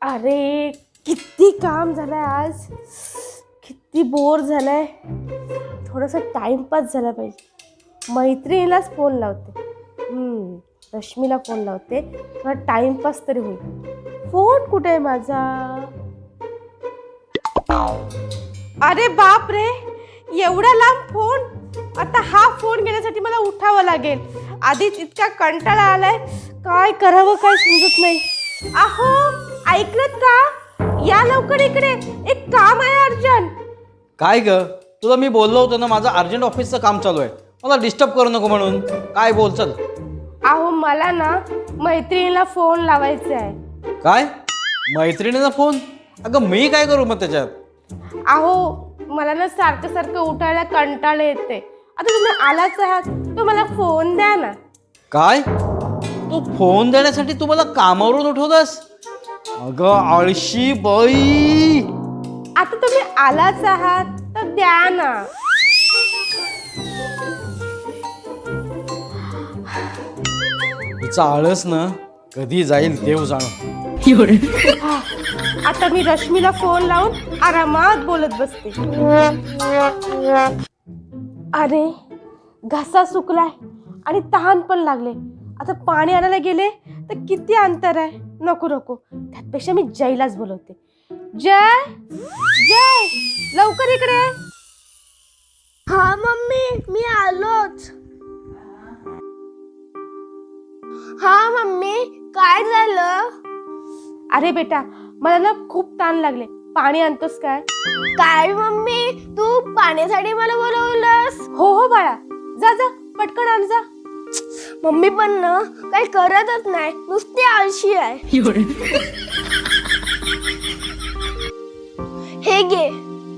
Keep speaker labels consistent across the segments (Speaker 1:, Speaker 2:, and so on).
Speaker 1: अरे किती काम झालंय आज, किती बोर झालंय. थोडासा टाइमपास झाला पाहिजे. मैत्रिणीलाच फोन लावते. रश्मीला फोन लावते, थोडा टाइमपास तरी होईल. फोन कुठे आहे माझा? अरे बाप रे, एवढा लांब फोन. आता हा फोन घेण्यासाठी मला उठावं लागेल. आधीच इतका कंटाळा आलाय, काय करावं काय समजत नाही. अहो ऐकलत का? या लवकर इकडे, एक काम आहे अर्जंट.
Speaker 2: काय ग, तुला मी बोललो होतो ना, माझं अर्जंट ऑफिसचं काम चालू आहे, मला डिस्टर्ब करू नको म्हणून. काय बोल, चल.
Speaker 1: अहो मला ना मैत्रिणीला फोन लावायचा आहे.
Speaker 2: काय मैत्रिणीचा फोन? अगं मी काय करू मग त्याच्यात?
Speaker 1: अहो मला ना सारखं सारखं उठायला कंटाळा येते. आता तुम्ही आलाच आहात तर मला फोन द्या ना.
Speaker 2: काय, तू फोन देण्यासाठी तू मला कामावरून उठवलंस? अगं आळशी बाई.
Speaker 1: आता तुम्ही आलाच आहात तर द्या ना.
Speaker 2: हिचा आळस ना कधी जाईल देव जाणो.
Speaker 1: आता मी रश्मीला फोन लावून आरामात बोलत बसते. अरे घसा सुकलाय आणि तहान पण लागले. आता पाणी आणायला गेले तर किती अंतर आहे. नको नको, त्यापेक्षा मी जयलाच बोलवते. जय, जय लवकर इकडे.
Speaker 3: हा मम्मी, मी आलोच. हा मम्मी, काय झालं?
Speaker 1: अरे बेटा, मला ना खूप ताण लागले, पाणी आणतोस काय?
Speaker 3: काय मम्मी, तू पाण्यासाठी मला बोलवलंस?
Speaker 1: हो हो बाळा, जा जा पटकन आण जा.
Speaker 3: मम्मी पण ना काही करतच नाही, नुसती आळशी आहे. हे घे.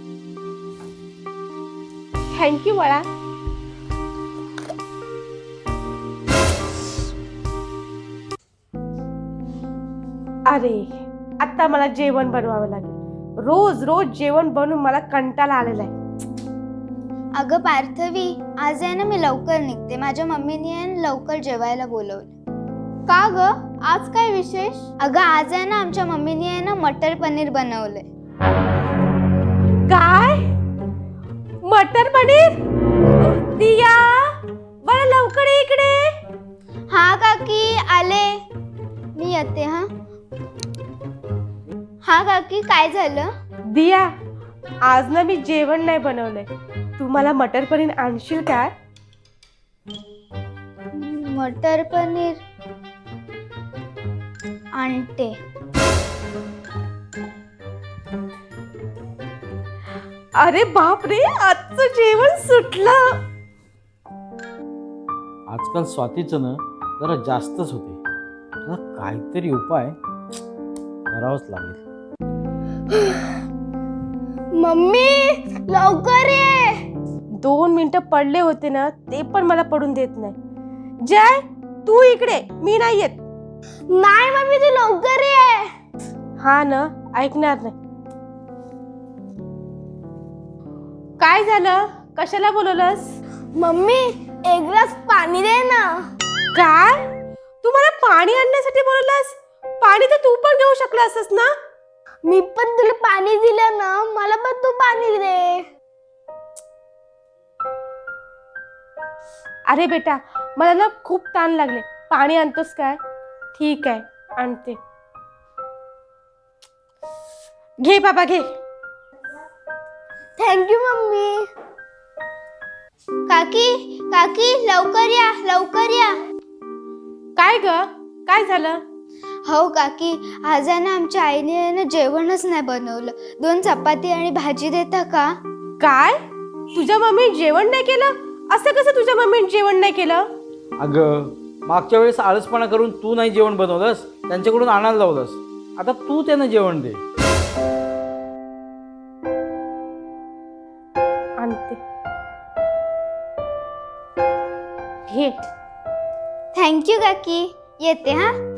Speaker 1: थँक्यू बाळा. अरे आता मला जेवण बनवावं लागेल. रोज रोज जेवण बनवून मला कंटाळा आलेला आहे.
Speaker 4: अगं पार्थवी, आज आहे ना मी लवकर निघते. माझ्या मम्मीने आहे ना लवकर जेवायला बोलवलं.
Speaker 3: का ग, आज काय विशेष?
Speaker 4: अगं आज आहे ना आमच्या मम्मीने आहे ना मटर पनीर बनवलंय.
Speaker 1: काय? मटर पनीर? दिया बरं लवकर ये इकडे.
Speaker 4: हा काकी, आले. मी येते. हा काकी, काय झालं?
Speaker 1: दिया, आज ना मी जेवण नाही बनवलंय. तू मला मटर पनीर आणशील काय?
Speaker 4: मटर पनीर आणते.
Speaker 1: अरे बाप रे, आजचं जेवण सुटलं.
Speaker 2: आजकाल स्वातीचं ना जरा जास्तच होते. तुला काहीतरी उपाय करावाच लागेल.
Speaker 3: मम्मी लवकर ये.
Speaker 1: 2 मिनिटं पडले होते ना, ते पण मला पडून देत नाही. जय तू इकडे, मी नाही येत.
Speaker 3: नाही मम्मी, तू लवकर ये.
Speaker 1: हा ना, ऐकणार नाही. काय झालं, कशाला बोलवलंस?
Speaker 3: मम्मी एक ग्लास पाणी दे ना.
Speaker 1: काय, तू मला पाणी आणण्यासाठी बोलवलंस? पाणी तर तू पण घेऊ शकला असस ना.
Speaker 3: मी पण तुला पाणी दिलं ना, मला पण तू पाणी दे.
Speaker 1: अरे बेटा, मला ना खूप ताण लागले, पाणी आणतोस काय? ठीक आहे, आणते. घे बाबा घे.
Speaker 3: Thank you mummy.
Speaker 4: काकी काकी, लवकर या, लवकर या.
Speaker 1: काय ग, काय झालं?
Speaker 4: हो काकी, आज आहे ना आमच्या आईने आहे ना जेवणच नाही बनवलं. 2 चपाती आणि भाजी देता का?
Speaker 1: काय, तुझ्या मम्मी जेवण नाही केलं? असं कसं तुझ्या मम्मीने जेवण नाही केलं?
Speaker 2: अगं मागच्या वेळेस आळसपणा करून तू नाही जेवण बनवलंस, त्यांच्याकडून आणायला लावलंस. आता तू त्यांना जेवण दे.
Speaker 1: आणते. घे.
Speaker 4: थँक्यू काकी, येते.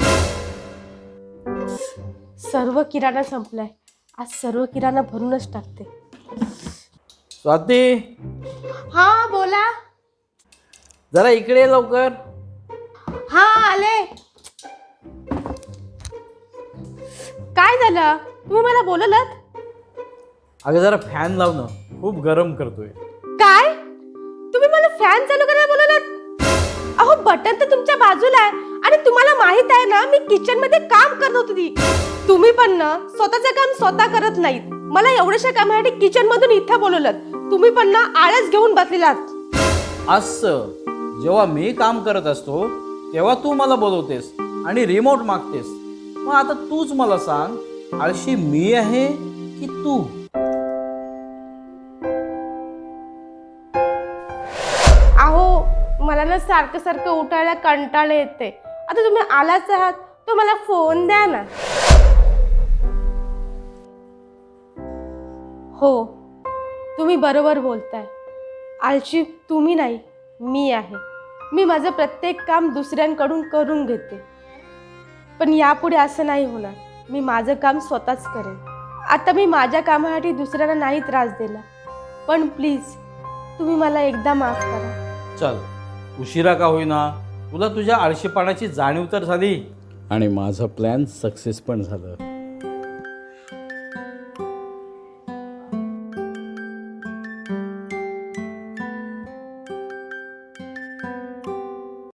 Speaker 1: सर्व किराणा संपलाय. आज सर्व किराणा भरूनच टाकते.
Speaker 2: स्वाती,
Speaker 1: हा बोला.
Speaker 2: जरा इकडे ये लवकर.
Speaker 1: हा आले. काय झालं? तुम्ही मला बोलवलं?
Speaker 2: अगं जरा फॅन लाव ना, खूप गरम करतोय.
Speaker 1: काय? तुम्ही मला फॅन चालू करायला बोलवलं? अहो बटन तर तुमच्या बाजूला आहे आणि तुम्हाला माहित आहे ना मी किचन मध्ये काम करत होती. तुम्ही पण ना स्वतःचं काम स्वतः करत नाहीत. मला एवढ्याशा कामासाठी किचन मधून इथं बोलवलं. तुम्ही पण ना आळस घेऊन बसलेलात.
Speaker 2: असं जेव्हा मी काम करत असतो तेव्हा तू मला बोलवतेस आणि रिमोट मागतेस. मग आता तूच मला सांग, आळशी मी आहे की तू?
Speaker 1: अहो मला ना सारखं सारखं उठायला कंटाळा येते. आता तुम्ही आलाच आहात तर मला फोन द्या ना. हो तुम्ही बरोबर बोलताय. आळशी तुम्ही नाही मी आहे. मी माझं प्रत्येक काम दुसऱ्यांकडून करून घेते. पण यापुढे असं नाही होणार. मी माझं काम स्वतःच करेन. आता मी माझ्या कामासाठी दुसऱ्यांना नाही त्रास दिला. पण प्लीज तुम्ही मला एकदा माफ करा.
Speaker 2: चल, उशिरा का होईना तुला तुझ्या आळशीपणाची जाणीव तर झाली आणि माझं प्लॅन सक्सेस पण झालं.